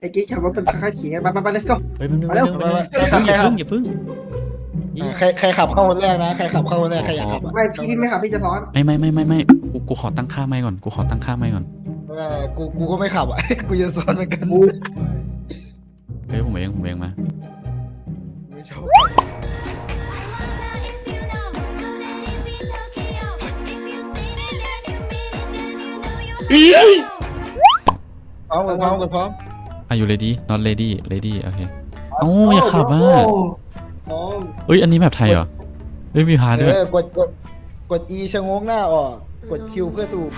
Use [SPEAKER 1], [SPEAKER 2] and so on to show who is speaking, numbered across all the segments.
[SPEAKER 1] ไอ้กิ๊กขับรถเป็นข้าขี่กันไป let's go
[SPEAKER 2] เฮ้ยมัน
[SPEAKER 1] มาเร็ว
[SPEAKER 2] อย่าพึ่ง
[SPEAKER 3] ใครขับเข้าคนแรกนะใครขับเข้าคนแรกใครอยากขับ
[SPEAKER 1] ไม่พี่ไม่ขับพี่จะซ้อน
[SPEAKER 2] ไม่กูขอตั้งค่าไม่ก่อนกูขอตั้งค่าไม่ก่อน
[SPEAKER 3] กูก็ไม่ขับอ่ะ กูจะซ้อนเหมือนกัน
[SPEAKER 2] เฮ้ยผมเองมา
[SPEAKER 3] ไม่ชอบพร้อมพร้อม
[SPEAKER 2] Are you ready not ready โอเคเอ้าอย่าขับอ่ะ
[SPEAKER 1] มอง
[SPEAKER 2] เอ้ยอันนี้แบบไทยเหรอเฮ้ยมีพาด้วย
[SPEAKER 3] กด E ชะโงงหน้าออกกด Q เพื่อสูบ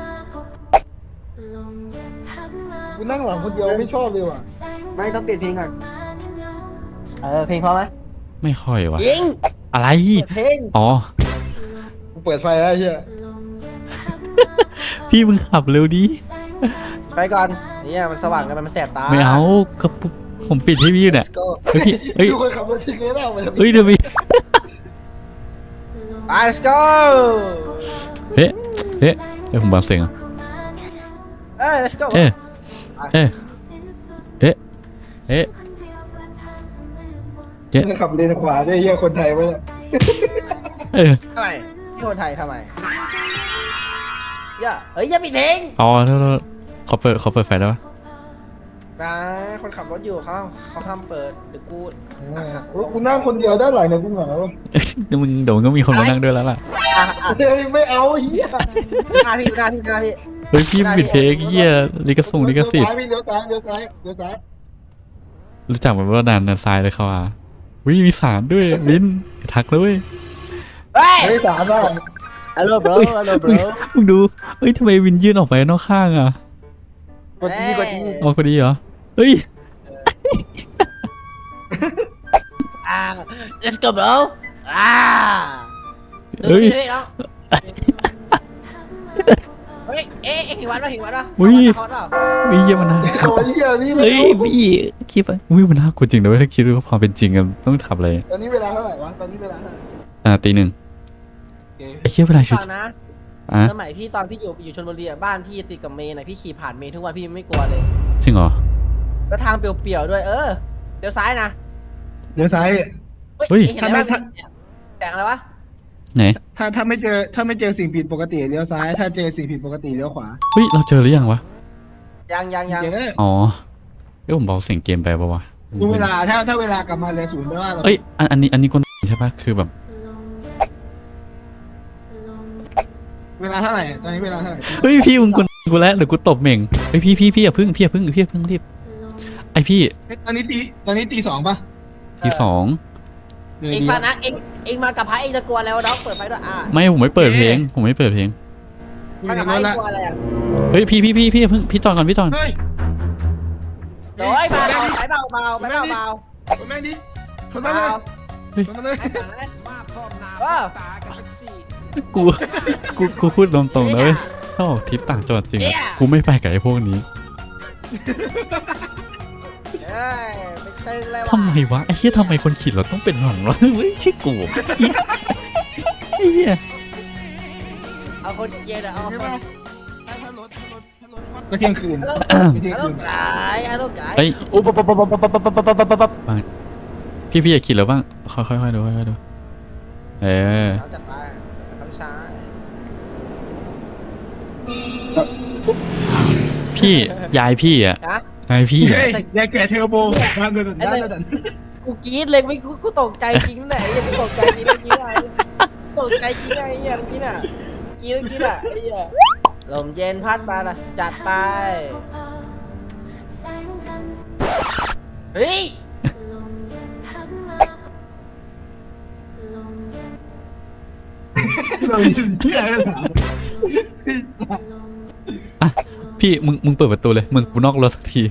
[SPEAKER 3] กูนั่งหลังคนเดียวไม่ชอบเลยว่ะ
[SPEAKER 1] ไม่ต้องเปลี่ยนเพลงก่อนเพลงพอไหม
[SPEAKER 2] ไม่ค่อยวะ
[SPEAKER 1] ยิง
[SPEAKER 2] อะไร
[SPEAKER 1] เพลง
[SPEAKER 2] อ๋อ
[SPEAKER 3] กูเปิดไฟแล้วเชีย
[SPEAKER 2] พี่มึงขับเร็วดิ
[SPEAKER 1] ไปก่อนเนี่ยมันสว่างกันมันแสบตา
[SPEAKER 2] ไม่เอาก็ผมปิดให้พี่เนี่ย
[SPEAKER 1] let's go
[SPEAKER 2] เฮ้ยพี่เฮ้ย
[SPEAKER 3] กูเคยขับรถชิงเลยแล้วมัน
[SPEAKER 2] เฮ้ยเดี๋ยวพี่
[SPEAKER 1] ไป let's go
[SPEAKER 2] เฮ้เดี๋ยวผมเบาเสียงอ่ะ
[SPEAKER 1] let's go
[SPEAKER 2] เอ๊ะเจ๊
[SPEAKER 3] ขับเลนขวาได้เฮียคนไทยไหมเนี่ย
[SPEAKER 1] ทำไมพี่คนไทยทำไมอย่าปิดเพลง
[SPEAKER 2] อ๋อแล้วเขาเปิดไฟได้ปะ
[SPEAKER 1] นะคนขับรถอยู่เขาห้ามเปิดเดี๋ยวกู
[SPEAKER 3] กูนั่งคนเดียวด้านหลังเนี่ยกูเหงา
[SPEAKER 2] เดี๋ยวมึงก็มีคนมานั่งด้วยแล้วล่ะ
[SPEAKER 3] ไม่เอาเฮีย
[SPEAKER 1] หน้าพี่
[SPEAKER 2] เฮ้ยพี่ปิดเพลงเหี้ยลิขสิทธิ์
[SPEAKER 3] เลี้ยวซ้าย
[SPEAKER 2] รู้จักมันว่าดันซ้ายเลยเขาอ่ะวิมีสารด้วยวินทักเลย
[SPEAKER 1] เฮ้ย
[SPEAKER 3] ไม่สามอ่ะ
[SPEAKER 1] hello bro
[SPEAKER 2] มึงดูเฮ้ยทำไมวินยื่นออกไปนอกข้างอ่ะ
[SPEAKER 3] กด E
[SPEAKER 2] ออกพอดีเหรอเฮ้ย
[SPEAKER 1] let's go bro
[SPEAKER 2] เฮ้ย
[SPEAKER 1] เหิวันป่ะ
[SPEAKER 2] อุ้ย
[SPEAKER 1] คอนป่ะ
[SPEAKER 2] วิเยี่ยมันนะ
[SPEAKER 3] โอ้ยเฮียนี่
[SPEAKER 2] เฮ้ยพี่คิดไปอุ้ยมันน่ากลัวจริงนะเว้ยถ้าคิดว่าความเป็นจริงกันต้องขับอะไร
[SPEAKER 3] ตอนนี้เวลาเท่าไหร่วะตอนนี้เวลาเท่าไหร่
[SPEAKER 2] ตีหนึ่งไอ้เหี้ยเวลาชุด
[SPEAKER 1] ฟังนะ
[SPEAKER 2] อ่ะ
[SPEAKER 1] สมัยพี่ตอนพี่อยู่ชลบุรีบ้านพี่ติดกับเมนพี่ขี่ผ่านเมนทุกวันพี่ไม่กลัวเลย
[SPEAKER 2] จริงเหรอ
[SPEAKER 1] แล้วทางเปลี่ยวๆด้วยเดี๋ยวซ้ายนะ
[SPEAKER 3] เดี๋ยวซ้าย
[SPEAKER 2] เฮ้ย
[SPEAKER 1] เห็นอะไรวะแต่งอะไรวะ
[SPEAKER 2] ไหน
[SPEAKER 3] ถ้าไม่เจอสิ่งผิดปกติเลี้ยวซ้ายถ้าเจอสิ่งผิดปกติเลี้ยวขวา
[SPEAKER 2] เฮ้ยเราเจอหรือยังวะ
[SPEAKER 1] ยัง
[SPEAKER 3] เจอ
[SPEAKER 2] อ๋อเอ้ยผมเบาเสียงเกมไปปะวะ
[SPEAKER 3] ดูเวลาถ้าเวลากลับมาเลยศูนย์แปลว่าเรา
[SPEAKER 2] เอ้ยอันนี้คนใช่ปะคือแบบ
[SPEAKER 3] เวลาเท่าไหร่ตอนนี้เวลาเท่าไหร่
[SPEAKER 2] เฮ้ยพี่มึงกูแล้วเดี๋ยวกูตบเหม่งเฮ้ยพี่อย่าพึ่งรีบไอพี่
[SPEAKER 3] ตอนนี้ตีสองป่ะ
[SPEAKER 2] ที่สอง
[SPEAKER 1] เองฟังนะเองมากับพระเองจะกลัวแล้วน้องเปิดไฟด้วย
[SPEAKER 2] ไม่ผมไม่เปิดเพลง
[SPEAKER 1] มากับพระเองกลัวอะไร
[SPEAKER 2] เฮ้ยพี่อย่าพึ่งพี่จอนก่อนพี่จอน
[SPEAKER 3] เฮ้ย
[SPEAKER 1] โอ้ยเบา
[SPEAKER 3] คนแม่งดิคนแม่งเลยคนมาเลย
[SPEAKER 2] กูพูดตรงๆนะเว้ยถ้าออกทริปต่างจังหวัดจริงอะกูไม่ไปกับไอ้พวกนี้
[SPEAKER 1] ไม่ตึงเลยว่ะ
[SPEAKER 2] ทำไมวะไอ้เหี้ยทำไมคนขี่รถต้องเป็นหวังวะไม่ใช่กูไอ้เหี้ย
[SPEAKER 1] เอาคนเย็นเอาคน
[SPEAKER 3] ก็เที่ยงคืน
[SPEAKER 1] ฮัลโหลไก่
[SPEAKER 2] เฮ้ยพี่อย่าขี่แล้วบ้างค่อยๆดูเออ
[SPEAKER 1] เราจัดไปเขาช้า
[SPEAKER 2] พี่ยายพี่อ่ะยายพี่อ่ะ
[SPEAKER 3] ยายแก่เทอร์โบมาเดิน
[SPEAKER 1] กูกรี๊ดเลยไม่กูตกใจจริงไหนกูตกใจจริงเมื่อกี้ไงตกใจจริงไงเมื่อกี้น่ะกรี๊ดอ่ะไอ้เหี้ยลมเย็นพัดมาละจัดไปเฮ้ย
[SPEAKER 2] พี่มึงเปิดประตูเลยมึงกูนอกรถสักที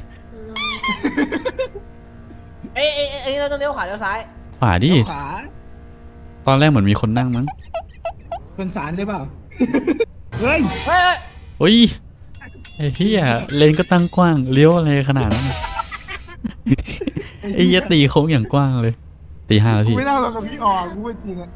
[SPEAKER 1] เอ้ยเราต้องเลี้ยวขวาเลี้ยวซ้าย
[SPEAKER 2] ขวาดิตอนแรกเหมือนมีคนนั่งมั้ง
[SPEAKER 3] คนสารได้เปล่าเฮ้ย
[SPEAKER 2] โอ้ยไอ้พี่อ่ะเลนก็ตั้งกว้างเลี้ยวอะไรขนาดนั้นไอ้เหี้ยตีโค้งอย่างกว้างเลยตีห้าแล้วพี่
[SPEAKER 3] ไม่น่าเรากับพี่ออกกูพูดจริงอ่ะ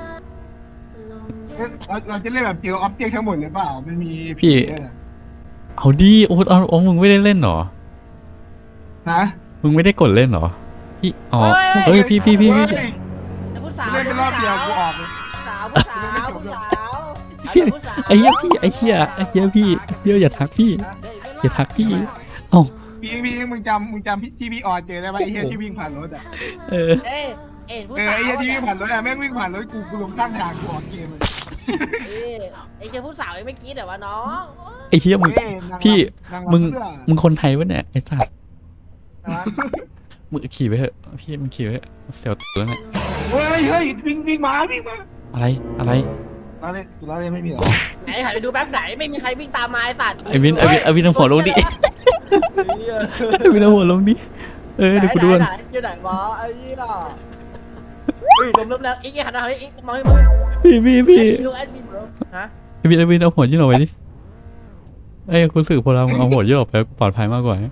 [SPEAKER 3] เราจะเล่นแบบเจอออบเจกต์ทั้งหมดเลยเปล่ามันมีพี่
[SPEAKER 2] เอาดิโอ๊ตเอามึงไม่ได้เล่นเหรอ
[SPEAKER 3] ฮะ
[SPEAKER 2] มึงไม่ได้กดเล่นเหรอพี่อ๋อเฮ้ยพี่
[SPEAKER 3] เฮ้ย
[SPEAKER 1] แต่ผู้สาว
[SPEAKER 3] เล่นไปรอบเดียวกูออกเลย
[SPEAKER 1] ผู้สาวผู้สาว
[SPEAKER 2] พี่ไอ้เหี้ยพี่ไอ้เหี้ยพี่เดี๋ยวอย่าทักพี่อย่าทักพี่เอ้า
[SPEAKER 3] พี่มึงจำพี่ที่พี่ออดเจอได้ไหมไอ้เหี้ยที่วิ่งผ่านรถอ่ะ
[SPEAKER 2] เออ
[SPEAKER 1] ผู้
[SPEAKER 3] ไอ้
[SPEAKER 1] สาว
[SPEAKER 3] เหี้ยที่วิ่งผ่านรถอ่ะแม่งวิ่งผ่านรถกูลงข้างทางกูออกเกมเลย
[SPEAKER 1] ไอ้เจ้าผู้สาวไม่กี้แต่ว่าน้อง
[SPEAKER 2] ไอ้เหี้ยมึง
[SPEAKER 3] เฮ้ยนางรำ
[SPEAKER 2] พี่
[SPEAKER 3] นางรำ
[SPEAKER 2] มึง
[SPEAKER 3] เพื่อ
[SPEAKER 2] มึงคนไทยวะเนี่ยไอ้สัตว์มึงขี่ไปเถอะพี่มึงขี่ไปเถอะเสียวตัวเนี่ย
[SPEAKER 3] เฮ้ยวิ่งมา
[SPEAKER 2] อะไร
[SPEAKER 3] เราเล่นไม่มีหรอ
[SPEAKER 1] ไหนหันไปดูแป๊บไหนไม่มีใครวิ่งตามมาไอ้สัตว์
[SPEAKER 2] ไอ้วินเอาหัวลงดิไอ้วินเอาหัวลงดิเดี๋ยวกูดู
[SPEAKER 1] ไหนอยู่ไหนวะไอ้ยี่ห้อล้มแล้วอีกหันมาเฮ้ยอีกมองให้มึง
[SPEAKER 2] พี่
[SPEAKER 1] ดูแอดมินบรฮะ
[SPEAKER 2] ไอ้วินเอาหัวยื่นออกไปดิไอ้คุณสื่อพลังเอาหัวยื่นออกไปปลอดภัยมากกว่า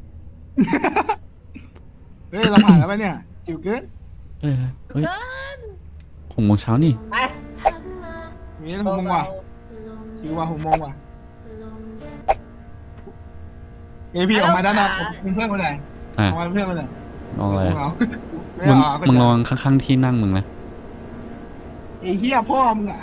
[SPEAKER 3] เฮ้ยเราผ่านแล้วปะเนี่ยจิ๋วเกิน
[SPEAKER 2] เฮ้ย6 โมงเช้านี่
[SPEAKER 1] ไป
[SPEAKER 3] มี6 โมงว่ะจิ๋วว่ะ6 โมงว่ะเฮ้ยพี่ออกมาด้านนอกเป็นเพื่อนคนไหนออกมาเพื่อนคนไหน
[SPEAKER 2] ลองอะไร
[SPEAKER 3] มึง
[SPEAKER 2] มึงลองข้างๆที่นั่งมึงนะ
[SPEAKER 3] ไอ้เหี้ยพ่อมึงอ่ะ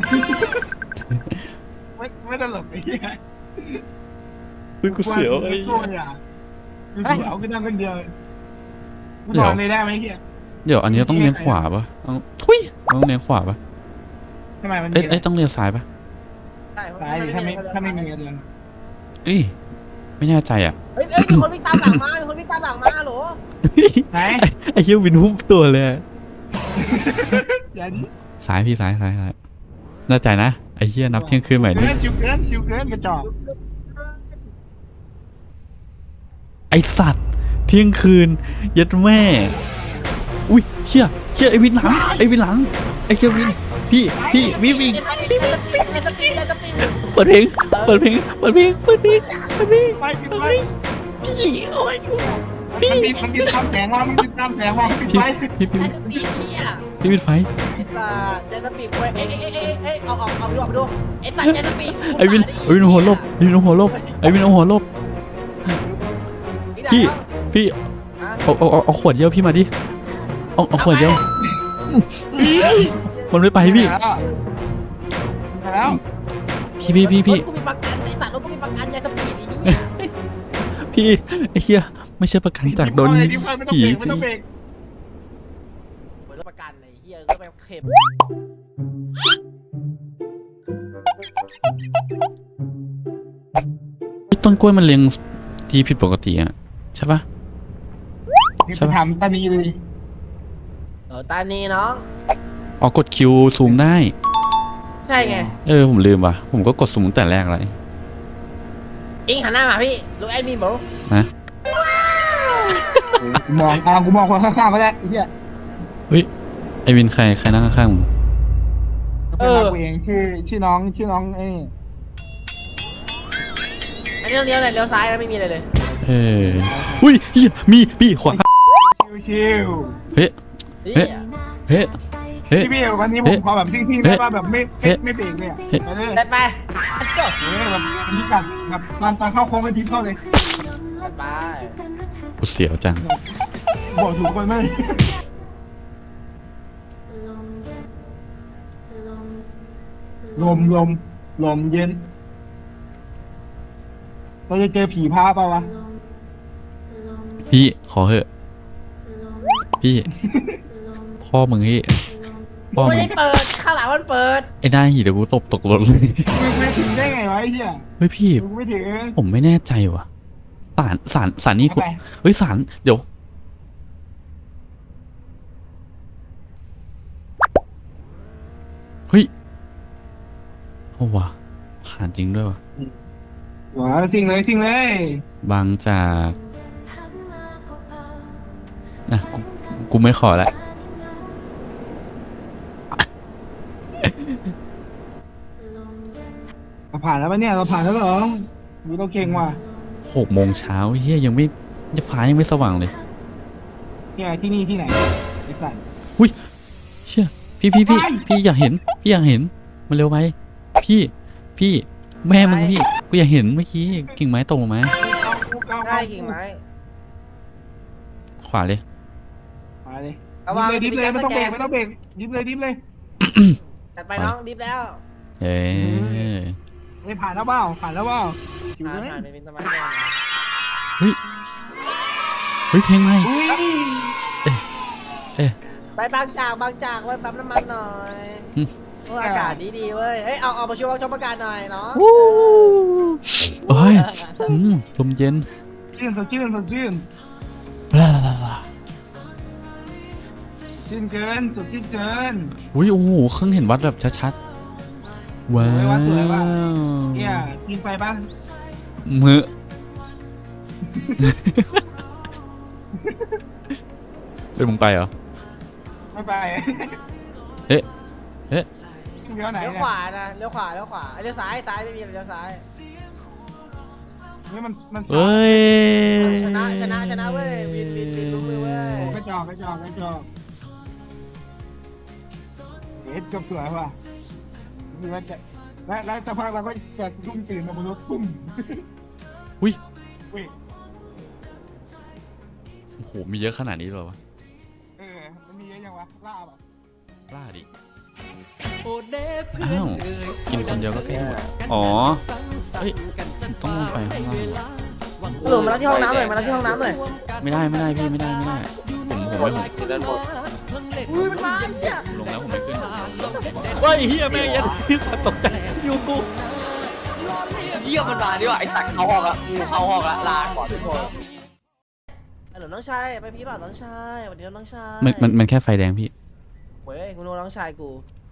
[SPEAKER 3] ไม่ตลกไอ้เหี้ย
[SPEAKER 2] กูเสียวไอ้
[SPEAKER 3] กูเสียวกูนั่งคนเดียวกูนอนเลยได้ไหมเหี้ย
[SPEAKER 2] เดี๋ยวอันนี้ต้องเลี้ยงขวาปะทุยต้องเลี้ยงขวาปะ
[SPEAKER 3] ทำไมมัน
[SPEAKER 2] เอ้ยต้องเลี้ยงซ้ายปะ
[SPEAKER 3] ตายดิถ้าไม่มีเงิน
[SPEAKER 2] เอ้ยไม่แน่ใจอ่ะ
[SPEAKER 1] เฮ้ยมีคนวิ่งตามหลังมามีคนวิ่งตามหลังมาหรอ
[SPEAKER 3] ไหน
[SPEAKER 2] ไอ้เหี้ยวินหุ้มตัวเลย
[SPEAKER 3] อย่าดิ
[SPEAKER 2] ซ้ายพี่ซ้ายแน่ใจนะไอ้เหี้ยนับเที่ยงคืนใหม่นี่
[SPEAKER 3] ชิวเกินกระจอก
[SPEAKER 2] ไอสัตว์เที่ยงคืนยัดแม่อุ้ยเชี่ยไอ้วินหลังไอ้เชี่ยวินพี่วิ่งเปิดเพลงพี่โอ้ยพี่
[SPEAKER 3] มันมีตามแสงว่ามันมีตามแสงว่ามันปิดไฟ
[SPEAKER 2] พี่ปิดไฟ
[SPEAKER 1] ไอ้สัตว์เจสปีดเอ้ยเอาดูไอ้สัตว์เจสปีด
[SPEAKER 2] ไอ้วินหัวลบไอ้วินเอาหัวลบพี่เอาขวดเยี่ยวพี่มาดิเอาขวดเยี่ยวมันไม่ไปพี่
[SPEAKER 3] แล้ว
[SPEAKER 2] พี่
[SPEAKER 1] กูมีประกันไอ้สัตว์กูมีประกันเจสปีดอีนี่
[SPEAKER 2] พี่ไอ้เหี้ยไม่ใช่ประกันจากโดนผี
[SPEAKER 3] ไม่ต้องเบรก
[SPEAKER 1] เหมือนประกันไอ้เหี้ยก็ไปเข็ม
[SPEAKER 2] ต้นกล้วยมันเลี้ยงที่ผิดปกติอ่ะใช่ปะ
[SPEAKER 3] นี่ไปทำตอนนี้เลย
[SPEAKER 1] ตานีน้อง
[SPEAKER 2] อ๋อกดคิวซูมได้
[SPEAKER 1] ใช่ไง
[SPEAKER 2] ผมลืมว่ะผมก็กดซูมตั้งแต่แรกเลย
[SPEAKER 1] อิงหันหน้ามาพี่ดูแอดมินบร
[SPEAKER 2] นะ
[SPEAKER 3] กูมองคนข้างๆก็ได้ไอ้เหี้ย
[SPEAKER 2] เฮ้ยไอวินใครนั่งข้างๆมึง
[SPEAKER 3] เป็นกูเองชื่อน้องไอ้
[SPEAKER 1] อันนี้เลี้ยวไหนเลี้ยวซ้ายแล้วไม่มีอะไรเลย
[SPEAKER 2] อุ้ยเฮียมีพี่ขวา
[SPEAKER 3] ชิว
[SPEAKER 2] เฮ้
[SPEAKER 3] พี่วันนี้ผมขอแบบซิ่งๆได้ป่ะแบบไม่เบรกเลยไปเลย
[SPEAKER 1] ไป let's go
[SPEAKER 3] แบบพิกัดแบบตอนเข้าโค้งไปทิปเข้าเลย
[SPEAKER 1] ไป
[SPEAKER 2] กูเสียวจัง
[SPEAKER 3] บอกถูกคนไหมลมเย็นเราจะเจอผีพาป่าวะ
[SPEAKER 2] พี่ขอเหอะพี่พ่อมึงพี่พ่อ
[SPEAKER 1] ไม่
[SPEAKER 2] มึง
[SPEAKER 1] ได้เปิดข้างหลังมันเปิด
[SPEAKER 2] ไอ้หน้าหีเดี๋ยวกูตกรถเลย
[SPEAKER 3] มึงไม่ถึงได้ไงวะไอ้เหี้ย
[SPEAKER 2] เฮ้ยพี่
[SPEAKER 3] มึงไม่ถึง
[SPEAKER 2] ผมไม่แน่ใจว่ะสารนี่คุณเฮ้ยสารเดี๋ยวเฮ้ยโอ้ว่ะผ่านจริงด้วยว่ะ
[SPEAKER 3] ว้าวสิ่งเลย
[SPEAKER 2] บางจากนะกูไม่ขอละ
[SPEAKER 3] เราผ่านแล้วปะเนี่ยเราผ่านแล้วเหรอมีเราเก่งว่ะ
[SPEAKER 2] 6 โมงเช้าเฮียยังไม่ฟ้ายังไม่สว่างเลย
[SPEAKER 3] เนี่ยที่นี่ที่ไหนไอ้สัตว์
[SPEAKER 2] เชี่ยพี่อยากเห็นมันเร็วไปพี่แม่มึงพี่กูอยากเห็นเมื่อกี้กิ่งไม้ตกลงมา
[SPEAKER 1] ใช่กิ่งไม้
[SPEAKER 2] ขวาเลย
[SPEAKER 3] มาเลย
[SPEAKER 1] ระวัง
[SPEAKER 3] ดิฟเลยไม่ต้องเบรกไม่ต้องเบรกดิฟเลย
[SPEAKER 1] จัดไปน้องดิฟแล้ว
[SPEAKER 2] เอ้ย
[SPEAKER 3] ไม่ผ่านแล้วเปล่าอยู่เลย
[SPEAKER 1] ผ่านไปเป็นสมาร์ท
[SPEAKER 2] เฮ้ยเพลงใหม่
[SPEAKER 3] อุ้ย
[SPEAKER 1] ไปบางจากไว้ปั๊มน้ำมันหน่อยอากาศดีเว้ยเฮ้ยเอามาชมอากาศหน่อยเนาะ
[SPEAKER 2] โอ้ยลมเย็น
[SPEAKER 3] สดชื่น
[SPEAKER 2] ลาลาลาลา
[SPEAKER 3] ชื่นเกินสดชื่นเกิน
[SPEAKER 2] อุ้ยโอ้โหเครื่องเห็นวัดแบบชัดๆว้า
[SPEAKER 3] โอ้ยวัดสวยว่ะ
[SPEAKER 2] ว
[SPEAKER 3] เนี่ยกินไปปะ
[SPEAKER 2] มือเป็นมึงไปเหรอ
[SPEAKER 3] ไม่ไป
[SPEAKER 2] เอ๊ะ
[SPEAKER 3] เลี้ยวไหน
[SPEAKER 1] เลี้ยว
[SPEAKER 3] เนี่
[SPEAKER 1] ขวานะเลี้ยวซ้ายไม่มีเลี้ยวซ้าย
[SPEAKER 3] นี่มัน
[SPEAKER 2] เอ้ย
[SPEAKER 1] ชนะเว้ยวินรู้มือเว้ย
[SPEAKER 3] กระจอกเอ็ดกับสวยว่ะคือว่าจะแล้วสักพักเราก็จะรุ่มตื่นมาบนรถปุ้ม
[SPEAKER 2] อุ้ย
[SPEAKER 3] อุ้ย
[SPEAKER 2] โอ้โหมีเยอะขนาดนี้เลยเหรอวะ
[SPEAKER 3] มันมีเยอะยังวะล่าป่ะ
[SPEAKER 2] กล้าดิอ้าวกินคนเดียวก็ใกล้หมดอ๋อเอ้ยต้องลงไปข้างล่างวะ
[SPEAKER 1] หลงมารับที่ห้องน้ำหน่อย
[SPEAKER 2] ไม่ได้พี่ไม่ได้ผมไม่ผม
[SPEAKER 1] อุ้ยมันมาเนี่ย
[SPEAKER 2] ลงแล้วผมไม่ขึ้นว้ายเฮียแม่ยันที่สัตว์ตกใจอยู่กู
[SPEAKER 4] เยี่ยมมันมาดีกว่าไอ้สัตว์เข้าห้องละเข้าห้องละลาก่อนทุกคน
[SPEAKER 1] หลงน้องชายไปพี่บ่าวน้องชายวันนี้น้องชาย
[SPEAKER 2] มันแค่ไฟแดงพี่
[SPEAKER 1] เว้ยกูรู้น้องชายกู